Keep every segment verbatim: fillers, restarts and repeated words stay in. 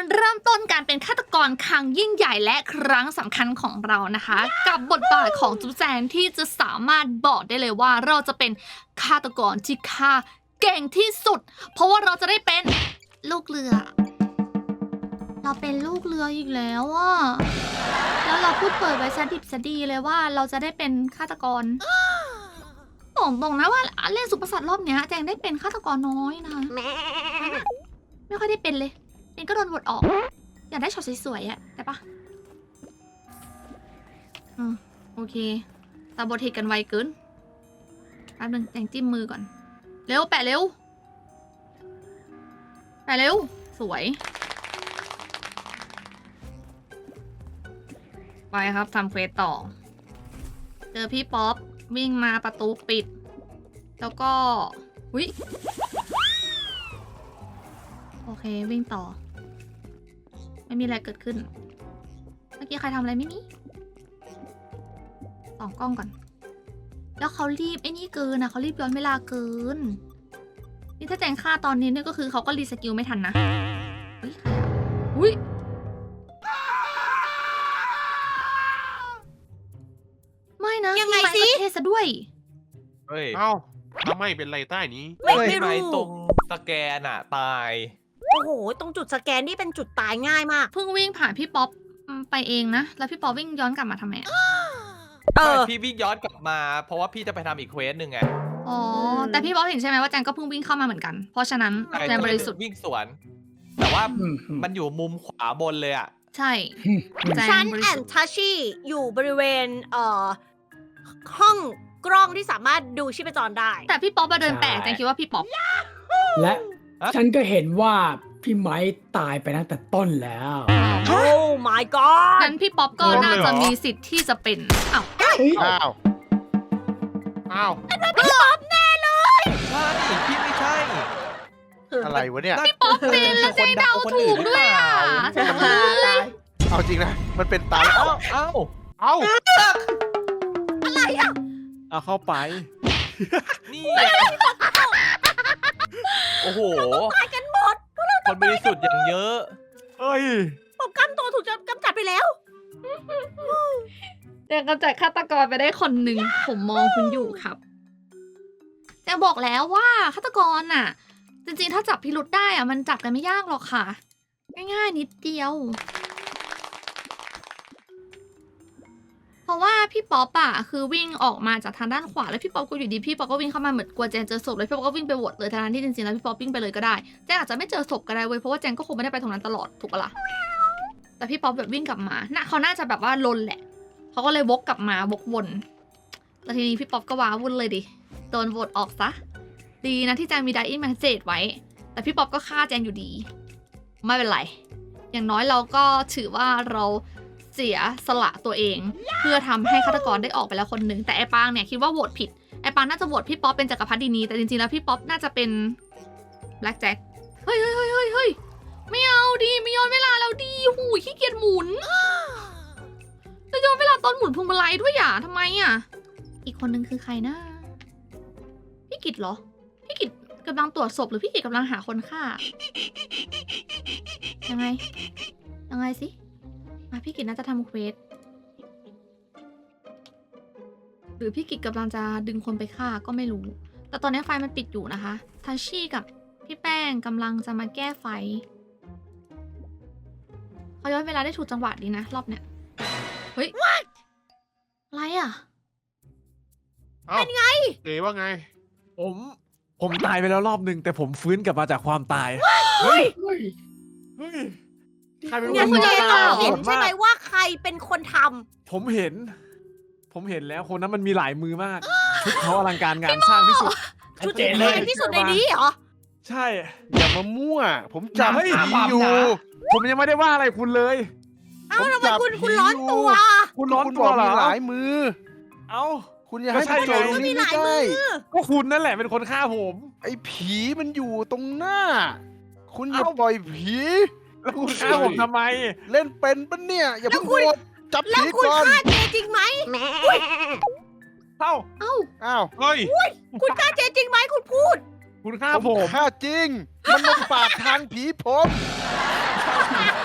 เริ่มต้นการเป็นฆาตกรครั้งยิ่งใหญ่และครั้งสำคัญของเรานะคะ กับบทบาทของจุ๊บแจงที่จะสามารถบอกได้เลยว่าเราจะเป็นฆาตกรที่ฆ่าเก่งที่สุด เพราะว่าเราจะได้เป็นลูกเรือ เราเป็นลูกเรืออีกแล้วอ่ะแล้วเราพูดเปิดไว้ซะดิบซะดีเลยว่าเราจะได้เป็นฆาตกรบอกตรงนะว่าเล่นสุภาษิตรอบเนี้ยแจงได้เป็นฆาตกรน้อยนะไม่ค่อยได้เป็นเลยเป็นก็โดนบทออกอยากได้ช็อตสวยๆอะได้ปะอืมโอเคตาบทเหตุกันไวเกินแป๊บนึงแจงจิ้มมือก่อนเร็วแปะเร็วแปะเร็วสวยไปครับทำเควสต่อเจอพี่ป๊อปวิ่งมาประตูปิดแล้วก็อุ๊ยโอเควิ่งต่อไม่มีอะไรเกิดขึ้นเมื่อกี้ใครทำอะไรไม่มีส่องกล้องก่อนแล้วเขารีบไอ้นี่เกินนะเขารีบย้อนเวลาเกินนี่ถ้าแจงฆ่าตอนนี้เนี่ยก็คือเขาก็รีสกิลไม่ทันนะเฮ้ยใครอะอุ๊ยไม่นะยังไงพี่สิม้ประเทศซะด้วยเฮ้ยเอ้าทำไมเป็นไรใต้นี้ไม่ไม่ไม่รู้ตรงสแกนอะตายโอ้โห ตรงจุดสแกนนี่เป็นจุดตายง่ายมากเพิ่งวิ่งผ่านพี่ป๊อปไปเองนะ แล้วพี่ป๊อปวิ่งย้อนกลับมาทำไมอะเออพี่วิ่งย้อนกลับมา เพราะว่าพี่จะไปทำอีกเควสหนึ่งไงอ๋อ แต่พี่ป๊อปเห็นใช่ไหมว่าแจงก็เพิ่งวิ่งเข้ามาเหมือนกัน เพราะฉะนั้นใช่แจงบริสุทธิ์วิ่งสวน แต่ว่าอืมมันอยู่มุมขวาบนเลยอะใช่แจฉังนบริแอสุนทธิ์ทัชชี่อยู่บริเวณ เอ่อ ห้องกล้องที่สามารถดูชีพจรได้แต่พี่ป๊อปมาเดินแปลกแจงคิดว่าพี่ป๊อปและฉันก็เห็นว่าพี่ไม้ตายไปตั้งแต่ต้นแล้วโอ้ my god งั้นพี่ป๊อปก็น่าจะมีสิทธิ์ที่จะเป็นอ้าวอ้าว อ้าวพี่ป๊อปแน่เลยใช่พี่ไม่ใช่อะไรวะเนี่ยพี่ป๊อปเป็นแล้วแจงเดาถูกด้วยอ่ะแจงเอ้ยเอาจริงนะ มันเป็นตาเอ้าเอ้าเอ้าอะไรอ่ะเอาเข้าไปนี่โอ้โหตายกันหมดคนบริสุทธิ์อย่างเยอะเฮ้ยผมกำตัวถูกกำจัดไปแล้วแจงกำจัดฆาตกรไปได้คนหนึ่งผมมองคุณอยู่ครับแจงบอกแล้วว่าฆาตกรน่ะ จริงๆถ้าจับพิรุธได้อ่ะมันจับกันไม่ยากหรอกค่ะ ง่ายๆนิดเดียว เพราะว่าพี่ป๊อปอะคือวิ่งออกมาจากทางด้านขวาแล้วพี่ป๊อปก็อยู่ดีพี่ป๊อปก็วิ่งเข้ามาเหมือนกลัวแจงเจอศพแล้วพี่ป๊อปก็วิ่งไปโหวตเลยทั้งที่จริงๆแล้วพี่ป๊อปวิ่งไปเลยก็ได้แจงอาจจะไม่เจอศพก็ได้เว้ยเพราะว่าแจงก็คงไม่ได้ไปตรงนั้นตลอดถูกปะล่ะแต่พี่ป๊อปแบบวิ่งกลับมาน่ะเขาน่าจะแบบว่าลนแหละเขาก็เลยวกกลับมาวกวนแล้วทีนี้พี่ป๊อปก็ว้าวุ่นเลยดิโดนโหวตออกซะดีนะที่แจงมีไดอินแมสเซจไว้แต่พี่ป๊อปก็ฆ่าแจงอยู่ดีไม่เป็นไรอย่างน้อยเราก็ถือว่าเราเสียสละตัวเองเพื่อทำให้ฆาตกรได้ออกไปแล้วคนหนึ่งแต่ไอ้ปางเนี่ยคิดว่าโหวตผิดไอ้ปางน่าจะโหวตพี่ป๊อปเป็นจักรพรรดินีแต่จริงๆแล้วพี่ป๊อปน่าจะเป็นแบล็กแจ็คเฮ้ยเฮ้ยเฮ้ยเฮ้ยเฮ้ยไม่เอาดิไม่ย้อนเวลาแล้วดิหูยขี้เกียจหมุนจะย้อนเวลาตอนหมุนพวงมาลัยด้วยอ่ะทำไมอ่ะอีกคนนึงคือใครนะพี่กิตเหรอพี่กิตกำลังตรวจศพหรือพี่กิตกำลังหาคนฆ่ายังไงยังไงสิพี่กิตน่าจะทำเควสหรือพี่กิตกำลังจะดึงคนไปฆ่าก็ไม่รู้ แต่ตอนนี้ไฟมันปิดอยู่นะคะทัชชี่กับพี่แป้งกำลังจะมาแก้ไฟเขาย้อนเวลาได้ถูกจังหวะดีนะรอบเนี้ยเฮ้ยอะไรอ่ะเอ้าเป็นไงเอ๋ว่าไงผม ผมตายไปแล้วรอบหนึ่งแต่ผมฟื้นกลับมาจากความตายเฮ้ยเฮ้ย ใครเป็นเนี่ยคคุณนเจทำต้องโหเห็นดใช่มาไหมกว่าใครเป็นคนทผมเห็น ผมเห็นแล้วคนนั้นมันมีหลายมือมาก ชุดเขาอลังการงานสร้างที่สุดำชุดเจ๋ที่งแพเลยงที่สุดในนี้เหรอใช่อย่ามามั่ว ผมจับเฮ้ยผีอยู่ผมยังไม่ได้ว่าอะไรคุณเลยเอ้าผมทำไมจับคุณผีคุณร้อนอยู่ตัวคุณร้อนคุณตับวอกเหรมีอหลายมือเอ้าคุณอย่าให้ก็ใช่โจรไงตรงนี้มีหไม่ลายมืได้อก็คุณนั่นแหละเป็นคนฆ่าผมไอ้ผีมันอยู่ตรงหน้า คุณอย่าเอ้าปล่อยผีแล้วคุณฆ่าผมทำไมเล่นเป็นปะเนี่ย อย่าเพิ่งโหวตจับแล้วผีคุณก่อนฆ่าเจจริงไหมเอ้าเอ้าอ้าวเฮ้ยคุณฆ่าเจจริงไหมคุณพูดคุณฆ่าผผม มฆ่าจริง มันมาปาดทางผีผม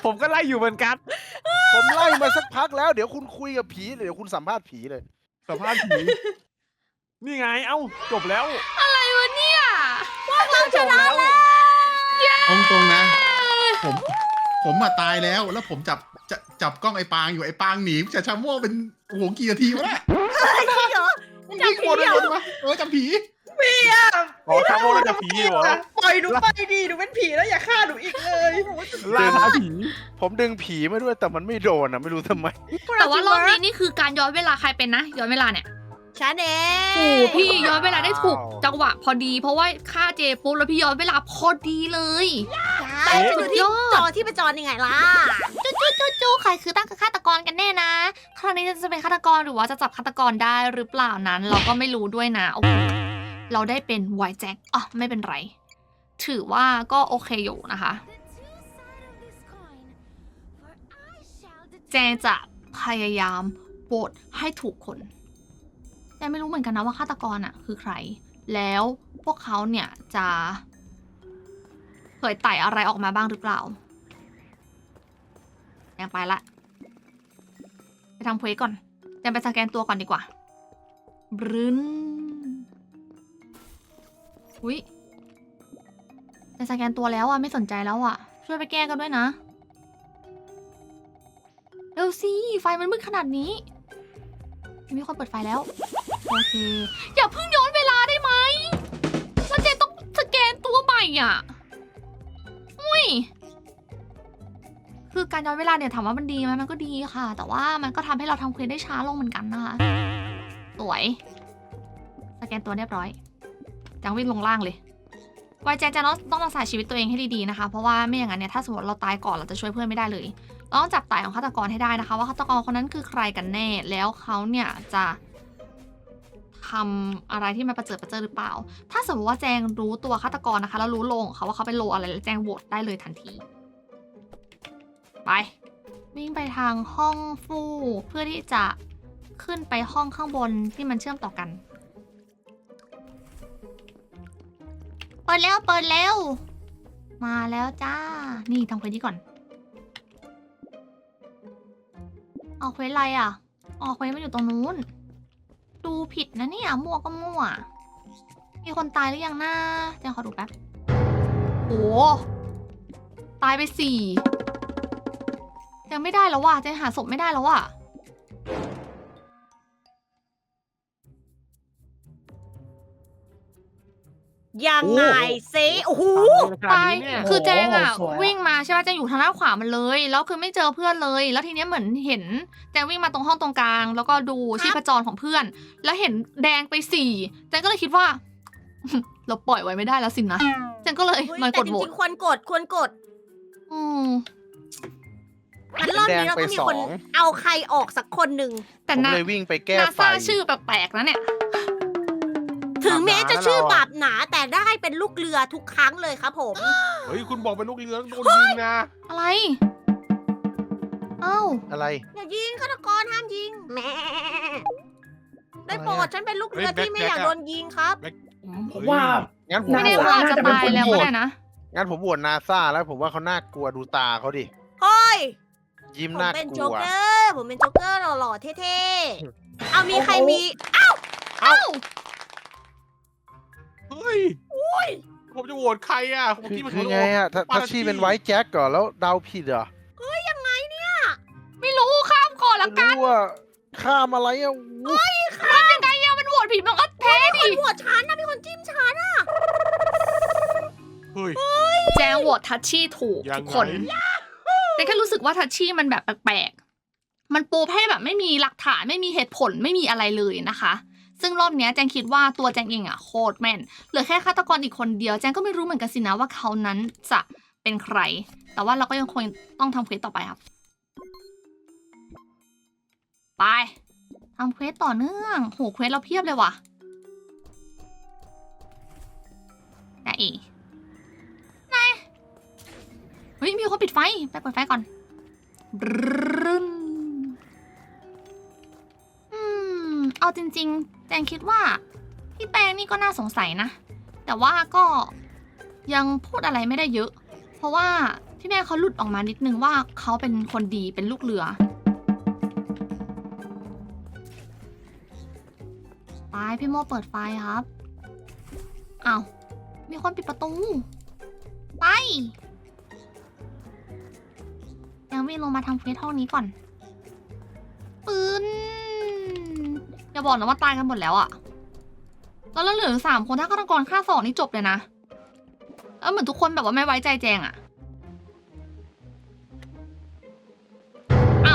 ผมก็ไล่อยู่เหมือนกันผมไล่มาสักพักแล้วเดี๋ยวคุณคุยกับผีเดี๋ยวคุณสัมภาษณ์ผีเลยสัมภาษณ์ผีนี่ไงเอ้าจบแล้วอะไรวะเนี่ยเราชนะแล้วตรงตรงๆนะ ผมผมมาตายแล้วแล้วผมจับจะจับกล้องไอ้ปางอยู่ไอ้ปางหนีจะชาโม่เป็นโอ้โหกี่นาทีวะเนี่ยจริงเหรอมันวิ่งวนไปวนมาเออจับผีอ๋อชาโมแล้วจะผีเหรอปล่อยหนูไปดิหนูเป็นผีแล้วอย่าฆ่าหนูอีกเลยล่าท้าผีผมดึงผีมาด้วยแต่มันไม่โดนอ่ะไม่รู้ทำไมแต่ว่ารอบนี้นี่คือการย้อนเวลาใครเป็นนะ ย้อนเวลาเนี่ยฉันเอโอ้งพี่ย้อนเวลาได้ถูกจังหวะพอดี เพราะว่าฆ่าเจปุ๊บแล้วพี่ย้อนเวลาพอดีเลยใช่ฉันดูที่จอที่ประจรยังไงล่ะจู้ใครคือตั้งฆาตกรกันแน่นะ คราวนี้จะเป็นฆาตกรหรือว่าจะจับฆาตกรได้หรือเปล่านั้น เราก็ไม่รู้ด้วยนะโอเคเราได้เป็นไวแจ็คอ่ะไม่เป็นไร ถือว่าก็โอเคอยู่นะคะ แจงจะพยายามโหวตให้ถูกคนแต่ไม่รู้เหมือนกันนะว่าฆาตกรอ่ะคือใคร แล้วพวกเขาเนี่ยจะเผยไต่อะไรออกมาบ้างหรือเปล่าแจงไปละไปทำเควสก่อนแจงไปสแกนตัวก่อนดีกว่าบรึนอุ้ยแจงสแกนตัวแล้วอ่ะไม่สนใจแล้วอ่ะช่วยไปแก้กันด้วยนะเร็วสิไฟมันมืดขนาดนี้มีคนเปิดไฟแล้วโอเคอย่าเพิ่งย้อนเวลาได้ไหมแล้วเจนต้องสแกนตัวใหม่อ่ะอุ้ยคือการย้อนเวลาเนี่ยถามว่ามันดีไหมมันก็ดีค่ะ แต่ว่ามันก็ทำให้เราทำเควสได้ช้าลงเหมือนกันนะคะสวยสแกนตัวเรียบร้อยจังวิ่งลงล่างเลยไวแจนจะต้องรักษาชีวิตตัวเองให้ดีๆนะคะเพราะว่าไม่อย่างนั้นเนี่ยถ้าสมมติเราตายก่อนเราจะช่วยเพื่อนไม่ได้เลยเราต้องจับไต่ของฆาตกรให้ได้นะคะว่าฆาตกรคนนั้นคือใครกันแน่แล้วเขาเนี่ยจะทำอะไรที่มันประเจิดประเจิดหรือเปล่าถ้าสมมติว่าแจงรู้ตัวฆาตกรนะคะแล้วรู้โลของเขาว่าเขาเป็นโลอะไรแล้วแจงโหวตได้เลยทันทีไปวิ่งไปทางห้องฟู่เพื่อที่จะขึ้นไปห้องข้างบนที่มันเชื่อมต่อกันเปิดแล้วเปิดแล้วมาแล้วจ้านี่ทำเควสนี้ก่อนออกเควสอะไรอ่ะออกเควสมันอยู่ตรงนู้นดูผิดนะเนี่ยมั่วก็มั่วมีคนตายหรือยังนะเดี๋ยวขอดูแป๊บโอ้ตายไปสี่ยังไม่ได้แล้วว่ะจะหาศพไม่ได้แล้วว่ะยังไงซิโอ้โหตายเนี่ยคือแจงอ่ะโอ้โหสวยอะวิ่งมาใช่ป่ะแจงอยู่ทางด้านขวามันเลยแล้วคือไม่เจอเพื่อนเลย แล้วทีเนี้ยเหมือนเห็นแจงวิ่งมาตรงห้องตรงกลาง แล้วก็ดูชีพจรของเพื่อน แล้วเห็นแดงไปสี่แจงก็เลยคิดว่า เราปล่อยไว้ไม่ได้แล้วสินะแจงก็เลยเฮ้ยมันแต่กดจโหวริตงๆควรกดควรกดอืมงั้นรอบนี้เราต้องมีคนแดงไปสองเอาใครออกสักคนหนึ่งแต่ผมนาเลยวิ่งไปแก้นาไฟซาชื่อแปลกๆนะเนี่ยถึงแม้จะชื่อบาบาปหนาแต่ได้เป็นลูกเรือทุกครั้งเลยครับผมเฮ้ยคุณบอกเป็นลูกเรือโดนยิงนะอะไรเอ้าอะไรอย่ายิงฆาตกรห้ามยิงแหม่ได้โปรดอะไรอะฉันเป็นลูกเรือเฮ้ยที่ไม่แบ็คอยากแบ็คโดนยิงครับผมว่างั้นผมไม่แน่โหวว่าตอาจจะตายแล้วก็ได้นะงั้นผมโหวตนาซาแล้วผมว่าเขาน่ากลัวดูตาเขาดิเฮ้ยยิ้มผมน่าเป็นกโจ๊ลักวเกอร์ ผมเป็นโจ๊กเกอร์หล่อๆเท่ๆ เอามีใครมีเอ้าเฮ้ยผมจะโหวตใครอ่ะผมคือที่มันคือโหวไงตอะถ้าปาถ้าราชีจี้เป็นไว้แจ็คก่อนแล้วเดาผิดเหรอไม่รู้ข้ามก่อนละไม่กันรู้ว่าข้ามอะไรอะอู้มันยังไงอะมันโหวตผิดมันก็แพ้ดิคนหัวฉันนะมีคนจิ้มฉันอะเฮ้ยแจงโหวตทัชชี่ถูกยังไงทุกคนแต่แค่รู้สึกว่าทัชชี่มันแบบแปลกๆ มันปูให้แบบไม่มีหลักฐานไม่มีเหตุผลไม่มีอะไรเลยนะคะ ซึ่งรอบเนี้ยแจงคิดว่าตัวแจงเองอะโคตรแม่นเหลือแค่ฆาตกรอีกคนเดียวแจงก็ไม่รู้เหมือนกันสินะว่าเขานั้นจะเป็นใคร แต่ว่าเราก็ยังคงต้องทำเควสต่อไปครับ ไปทำเควสต่อเนื่องโหเควสเราเพียบเลยว่ะแต่อีไหนเฮ้ยมีคนปิดไฟไปเปิดไฟก่อนบรึ้นอืมเอาจริงๆแจงคิดว่าพี่แป้งนี่ก็น่าสงสัยนะ แต่ว่าก็ยังพูดอะไรไม่ได้เยอะ เพราะว่าพี่แม่เขาหลุดออกมานิดนึงว่าเขาเป็นคนดีเป็นลูกเรือไปพี่โมเปิดไฟครับอ้าวมีคนปิดประตูไปยังวิ่งลงมาทางเฟสห้องนี้ก่อนปืนอย่าบอกนะว่าตายกันหมดแล้วอะแล้วเราเหลือสามคนถ้าฆาตกรฆ่าสองนี่จบเลยนะแล้วเหมือนทุกคนแบบว่าไม่ไว้ใจแจงอะอ้าว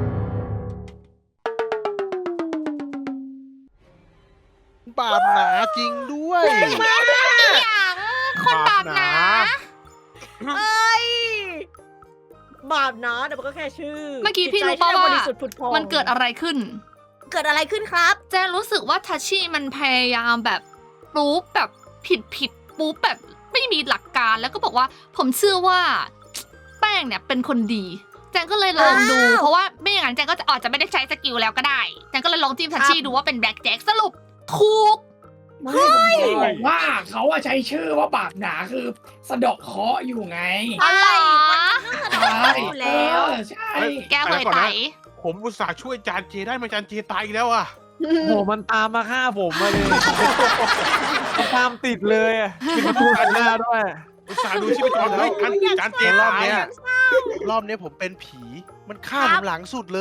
บาปหนาจริงด้วยอย่างคนบาปหนาเอ้ย บาปนะแต่มันก็แค่ชื่อเมื่อกี้พี่จิรู้ตใจป่าที่ว่าบริสุทธิ์ผุดพองมันเกิดอะไรขึ้นเกิดอะไรขึ้นครับแจงรู้สึกว่าทัชชี่มันพยายามแบบปู๊บแบบผิดผิดปู๊บแบบไม่มีหลักการแล้วก็บอกว่าผมเชื่อว่า แป้งเนี่ยเป็นคนดี แจงก็เลยลองดูอ้าวเพราะว่าไม่อย่างนั้นแจงก็จะอาจจะไม่ได้ใช้สกิลแล้วก็ได้แจงก็เลยลองจิ้มทัชชี่ดูว่าเป็นแบล็กแจ็คสรุปถูกไม่ผมบอกว่าเขาอะใช้ชื่อว่าบาปหนาคือสะเดอกเคราะห์อยู่ไงอะไรใช่อยู่แล้วเออใช่แกเหยไตผมอุตส่าห์ช่วยจานเจได้มาจานเจตายอีกแล้วอ่ะโอ้โหมันตามมาฆ่าผมมาเลยมันตามติดเลยอะปิดประตูหันหน้าด้วยอุตส่าห์ดูชีพจรเฮ้ยจานจานเจรอตาบยเนี้ยอะรอบเนี้ยผมเป็นผี มันฆ่าคผรับมหลังสุดเลย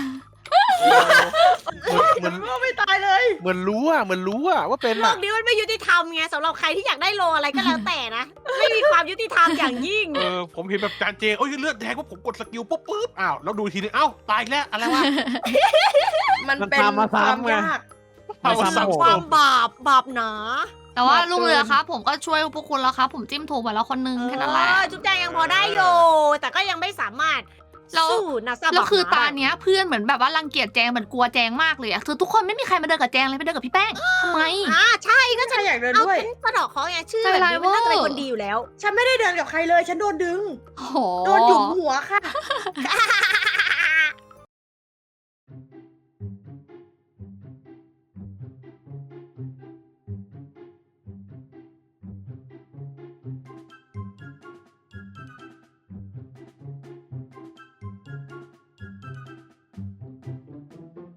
เหมือนก็ไม่ตายเลยเหมือนรู้อะเหมือนรู้อะว่าเป็นโลอะกนี้มันไม่ยุติธรรมไงสำหรับใครที่อยากได้โลอะไรก็แล้วแต่นะ ไม่มีความยุติธรรมอย่างยิ่งเออผมเห็นแบบจานเจโอ้ยเลือดแดงว่าผมกดสกิลปุ๊บปุ๊บอ้าวแล้วดูทีนึงเอ้าตายอีกแล้วอะไรวะมันมันเป็นตามมาความซ้ำไงยากเอาไม่สัซ้ำงผมความบาปบาปหนาแต่ว่าบาปลูกเรือเกินครับผมก็ช่วยพวกคุณแล้วครับผมจิ้มถูกไปแล้วคนนึงแค่นั้นแหละเออจุ๊บแจงยังพอได้อยู่แต่ก็ยังไม่สามารถแล้วสู้นาซาแล้วคือบักหตาได้เนี้ยเพื่อนเหมือนแบบว่ารังเกียจแจงเหมือนกลัวแจงมากเลยอะคือทุกคนไม่มีใครมาเดินกับแจงเลยไปเดินกับพี่แป้งทำไมอ่าใช่ก็ฉัจะนอยากเดินเอาด้วยฉันสะเดอกเขาไงชื่อไม่แบเป็นบไรนี้มันน่าจะเป็นเว้ยคนดีอยู่แล้วฉันไม่ได้เดินกับใครเลย ฉันโดนดึงโอ้โหโดนหยุมหัวค่ะ